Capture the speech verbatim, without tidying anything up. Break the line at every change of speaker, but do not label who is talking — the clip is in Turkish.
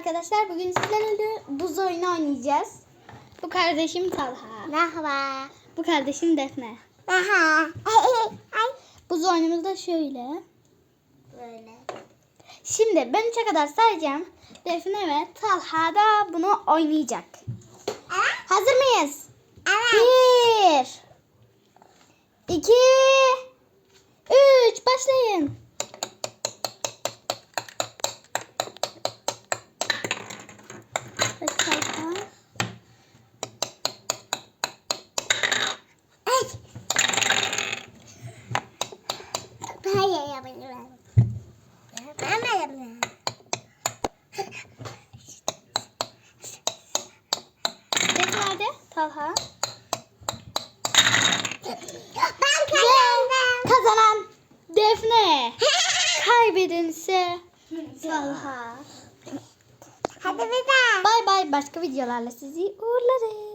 arkadaşlar. Bugün sizlerle buz oyunu oynayacağız. Bu kardeşim Talha.
Merhaba.
Bu kardeşim Defne.
Merhaba. Ay.
Buz oyunumuz da şöyle.
Böyle.
Şimdi ben üçe kadar sayacağım. Defne ve Talha da bunu oynayacak.
Evet.
Hazır mıyız?
Evet.
Bir, iki, üç. Başlayın. Evet, Talha.
Ay. Ben yapabilirim. Ben de yapabilirim.
Defne hadi. Talha.
Ben kazandım.
Kazanan Defne. Kaybedense Talha.
Hadi bir daha.
Bay bay. Başka videolarla sizi uğurlarız.